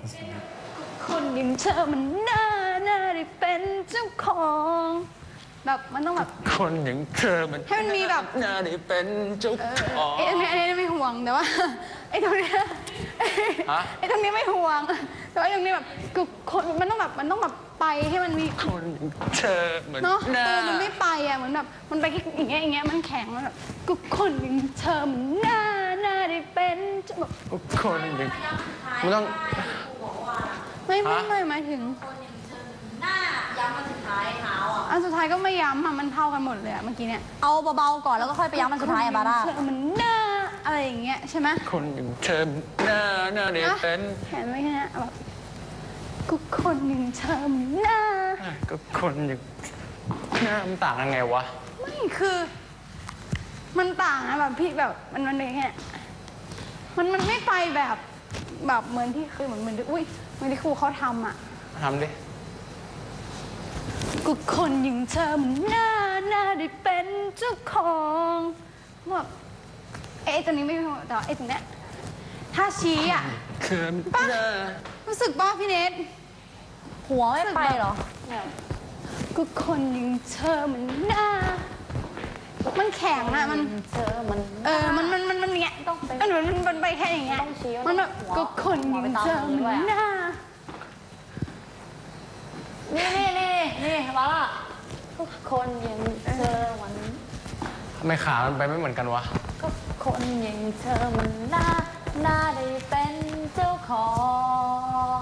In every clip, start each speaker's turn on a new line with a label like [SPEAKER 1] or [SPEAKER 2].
[SPEAKER 1] คนอย่างเธอมันน่าได้เป็นเจ้าของแบบมันต้องแบบ
[SPEAKER 2] คนอย่างเธอมัน
[SPEAKER 1] ให้มันมีแบบ
[SPEAKER 2] น่าได้เป็นเจ้าของ
[SPEAKER 1] อันนี้ไม่ห่วงแต่ว่าไอ้ตรงนี้ไอ้ตรงนี้ไม่ห่วงแต่ว่าตรงนี้แบบคนมันต้องแบบไปให้มันมี
[SPEAKER 2] คนอย่างเธอเหมือน
[SPEAKER 1] เนาะตัวมันไม่ไปอ่ะเหมือนแบบมันไปแค่อย่างเงี้ยมันแข็งมันแบบก็คนอย่างเธอมันน่าได้เป็นแบบ
[SPEAKER 2] คนอย่างมันต้อง
[SPEAKER 1] ไม่หมายถึง
[SPEAKER 3] หน้าย้ำมาสุดท้ายเท้าอ่ะ
[SPEAKER 1] อันสุดท้ายก็ไม่ย้ำอ่ะมันเท่ากันหมดเลยอ่ะเมื่อกี้เนี่ย
[SPEAKER 3] เอาเบาๆก่อนแล้วก็ค่อยไปย้ำมันสุดท้ายอะบาร่า
[SPEAKER 1] มันหน้าอะไรอย่างเงี้ยใช่ไหม
[SPEAKER 2] คนอย่างเธอน่าได้เป็น
[SPEAKER 1] เห็นไหมแค่นี้แบบก็คนอย่างเธอหน้า
[SPEAKER 2] ก็คนอย่างหน้ามันต่างยังไงวะ
[SPEAKER 1] ไม่คือมันต่างนะแบบพี่แบบมันเป็นแค่มันไม่ไปแบบเหมือนที่คือเหมือนที่อุ้ยเหมือนที่ครูเขาทำอ่ะ
[SPEAKER 2] ทำดิ
[SPEAKER 1] ก็คนอย่างเธอมันน่าได้เป็นเจ้าของแบบตัวนี้ไม่แต่ว่าตรงเนี้ยถ้าชี้อ่ะ
[SPEAKER 2] ป้า
[SPEAKER 1] รู้สึกป่ะพี่เนท
[SPEAKER 3] หัวไม่ไปเหรอ
[SPEAKER 1] ก็คนอย่างเธอมันน่ามันแข็งอะมัน
[SPEAKER 3] เธอมัน
[SPEAKER 1] มันเนี้ยมันไปแค่อย่างเงี้ยมันแบบก็คนอย่างเธอมันน่า
[SPEAKER 3] นี่บาร่าทุกคนอย่างเธอมัน
[SPEAKER 2] ทำไมขามันไปไม่เหมือนกันวะ
[SPEAKER 3] ก็คนอย่างเธอมันน่าได้เป็นเจ้าของ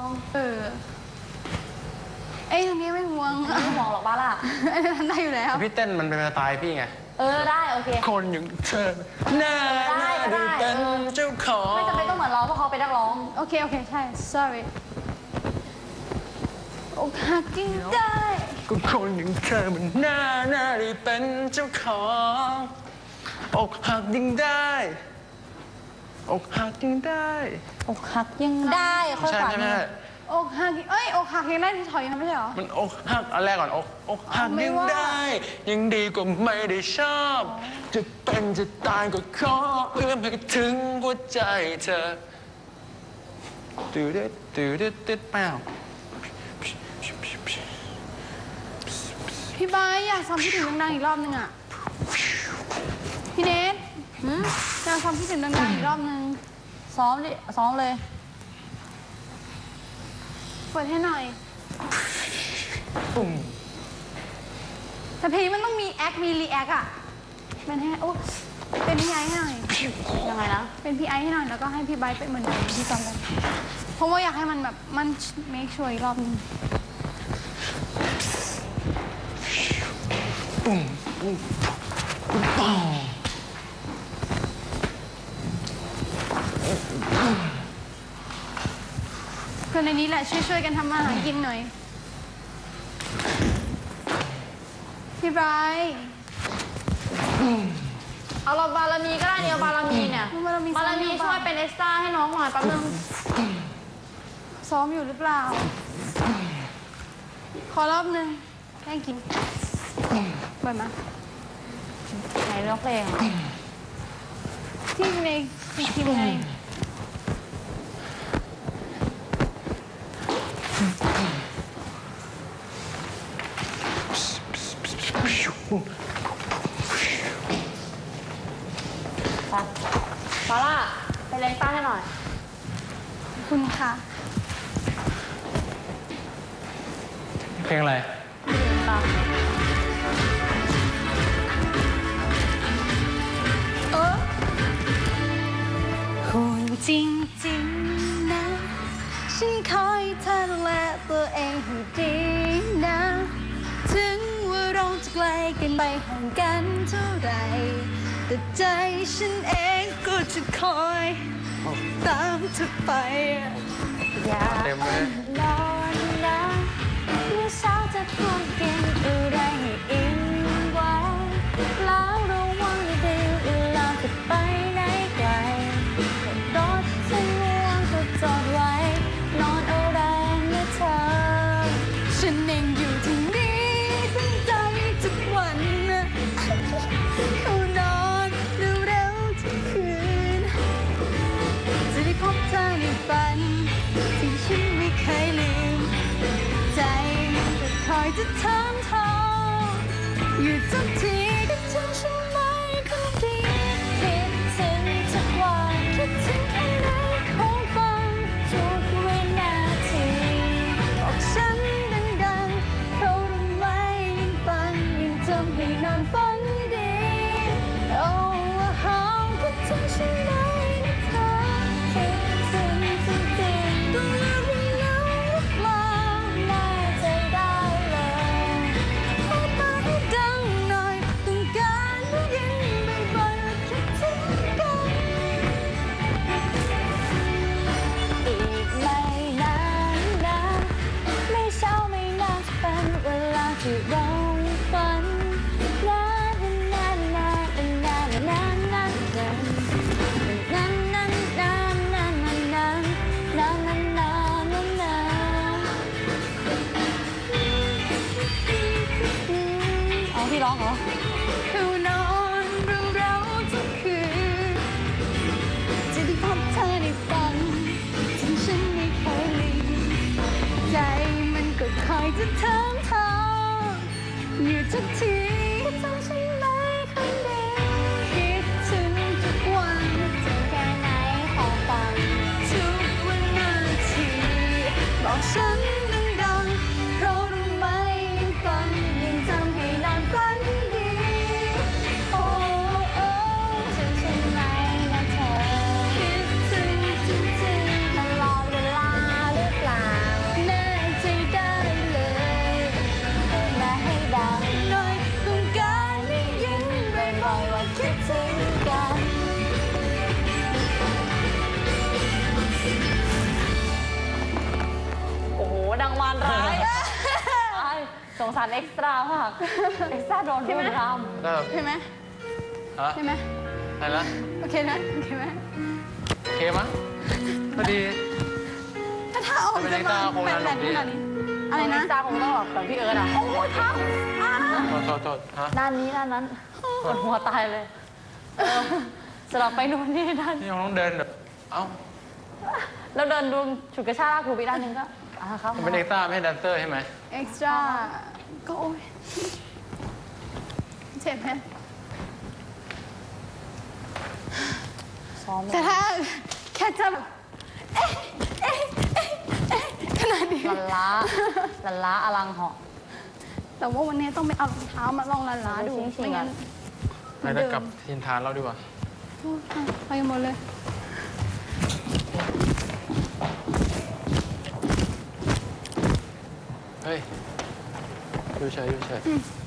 [SPEAKER 1] ตรงนี้ไม่ห่วง
[SPEAKER 3] ไม่ห่วงหรอกบาร่า
[SPEAKER 1] ทำได้อยู่แล้ว
[SPEAKER 2] พี่เต้นมันเป็นสไตล์พี่ไง
[SPEAKER 3] ได้โอเค
[SPEAKER 2] คนอย่างเธอน่าได้เป็นเจ้าของ
[SPEAKER 3] ไม่จำเป็นต้องเหมือนเราเพราะเขาเป็นนักร้อง
[SPEAKER 1] โอเคใช่ sorry อกหักจริงได้
[SPEAKER 2] ก็คนอย่างเธอมันน่าได้เป็นเจ้าของอกหักยังได้อกหักยังได้
[SPEAKER 3] อกหักยังได้ค่อยฝัน
[SPEAKER 1] อกหักอกหักยังได้ที่ถอยนะไม่ใช่หรอ
[SPEAKER 2] มันอกหักอันแรกก่อนอกหักยังได้ยังดีกว่าไม่ได้ชอบจะเป็นจะตายก็ขอเอื้อมให้ถึงหัวใจเธอตื่นเปล่า
[SPEAKER 1] พี่บายอยากซ้อมคิดถึงดังๆอีกรอบนึงอ่ะพี่เนทอยากซ้อมคิดถึงดังๆอีกรอบนึง
[SPEAKER 3] ซ้อมเลย
[SPEAKER 1] เปิดให้หน่อยแต่เพลงมันต้องมีแอคมีรีแอคอ่ะเป็นให้เป็นพี่ไอให้หน่อย
[SPEAKER 3] ยังไงนะ
[SPEAKER 1] เป็นพี่ไอให้หน่อยแล้วก็ให้พี่ไบร์ทเป็นเหมือนเดิมที่ซ้อมกันเพราะว่าอยากให้มันแบบมันเมคชัวร์อีกรอบนึงคนในนี้แหละช่วยกันทำมาหากินหน่อยพี่ไบร์ท
[SPEAKER 3] เอาเราบารมีก็ได้เนี่ยบารมีเนี่ยบารมีช่วยเป็นเอ็กซ์ตร้าให้น้องหน่อยแป๊บนึง
[SPEAKER 1] ซ้อมอยู่หรือเปล่าขอรอบนึงแค่กินเปิดมา
[SPEAKER 3] ไหนเลือกเพลง
[SPEAKER 1] ที่ในทีมไง
[SPEAKER 3] บาร่าไปเล่นต้าให้หน่อย
[SPEAKER 1] คุณค่ะ
[SPEAKER 2] เพลงอะไร
[SPEAKER 1] คนจริงๆนะฉันคอยเธอดูแลตัวเองให้ดีนะถึงว่าเราจะไกลกันไปห่างกันเท่าไรแต่ใจฉันเองก็จะคอยตามเธอไป
[SPEAKER 3] อย่านอนนะเมื่อเช้าจะพูดกินอะไรให้อิ่มไว้แล้วระวังดีเวลาจะไปไหนไกลรถฉันง่วงก็จอดไว้นอนเอาแรงนะเธอ
[SPEAKER 1] ฉันเองอยู่ที่นี่ตั้งใจทุกวันเขานอนเร็วๆทุกคืนจะได้พบเธอในฝันที่ฉันมีอยู่ทุกทีคิดถึงฉันไหมคนดี
[SPEAKER 3] คิดถึงทุกวันคิดถึงแค่ไหนคงฟังทุกวินาที
[SPEAKER 1] บอกฉันดังๆเพราะรู้ไหมยิ่งฝันยิ่งทำให้นอนฝันดีโอ้ว่าหอมคิดถึงฉันไหมนะเธอ
[SPEAKER 3] คิดถึงจริงๆ
[SPEAKER 1] ต้องเลือกไม่แล้วหรือเปล่า
[SPEAKER 3] แน่ใจได้เลย
[SPEAKER 1] ขอมาให้ดังหน่อยต้องการได้ยินบ่อยๆว่าคิดถึงกัน
[SPEAKER 3] อีกไม่นานนะไม่เช้าไม่นานจะเป็นเวลาที่เราฝันนานนานนานนานนานนานนานนานนานนานนานนานนานนานนานนานเอาพี่ร้องเหรอ
[SPEAKER 1] คือนอนเราทุกคืนจะได้พบเธอในฝันถึงฉันไม่เคยลืมใจมันก็คอยจะถามทางอยู่ทุกทีจำฉันไหมคนดีคิดถึงทุกวัน
[SPEAKER 3] ถึงแค่ไหนขอฟัง
[SPEAKER 1] ทุกวินาทีบอกฉันดังๆเพราะรู้ไหมยิ่งฝันยิ่งทำให้นอนฝันดี
[SPEAKER 3] โอ้โอ้ถึงฉันไหมนะเธอ
[SPEAKER 1] คิดถึงจริงๆ
[SPEAKER 3] ตลอดเวลาหรือเปล่า
[SPEAKER 1] แน่ใจได้เลย
[SPEAKER 3] มาให้ดัง
[SPEAKER 1] หน่อยต้องการได้ยินบ่อยๆว่าคิดถึงกัน
[SPEAKER 3] โอ้โหดังมารร้ายอ้ายสงสารเอ็กซ์ตร้ามากเอ็กซ์ตร้าโดนรุมราม
[SPEAKER 2] ได้แบบ
[SPEAKER 1] ใช่ไหม
[SPEAKER 2] ฮะ
[SPEAKER 1] ใช่ไหม
[SPEAKER 2] อะไรนะ
[SPEAKER 1] โอเคนะโอเคไหม
[SPEAKER 2] โอเคมั้ยพอดี
[SPEAKER 1] ถ้าออกจะมาเป็นแบบขนาดนี้อะไรนะ
[SPEAKER 3] เอ็กซ์ตร้าคงต้องแบบพี่เอิร์ธอ่ะ
[SPEAKER 1] โอ้ยทำ
[SPEAKER 2] โทษฮะ
[SPEAKER 3] ด้านนี้ด้านนั้นปวดหัวตายเลยสลับไปนู่นนี่ด้าน
[SPEAKER 2] นี่ยังต้องเดินแบบเอ้า
[SPEAKER 3] แล้วเดินดูฉุดกระชากลากถูไปด้านหนึงก็ครับ
[SPEAKER 2] มันเป็นเอ็กซ์ต้าไม่ใช่แดนเซอร์ใช่ไหม
[SPEAKER 1] เอ็กซ์ตร้าก็โอ้ยเจ็บไหม
[SPEAKER 3] ซ้อม
[SPEAKER 1] แต่ถ้าแค่จะแบบเอ๊ะขนาดนี้
[SPEAKER 3] ลันล้าอลังเหาะ
[SPEAKER 1] แต่ว่าวันนี้ต้องไปเอารองเท้ามาลองล้าๆดู
[SPEAKER 3] ชิงๆ
[SPEAKER 1] ไม่งั้น
[SPEAKER 2] ไปได้กลับทินทานเราดีกว่า
[SPEAKER 1] โอ้ยไปกันหมดเลย
[SPEAKER 2] เฮ้ย ดูเฉย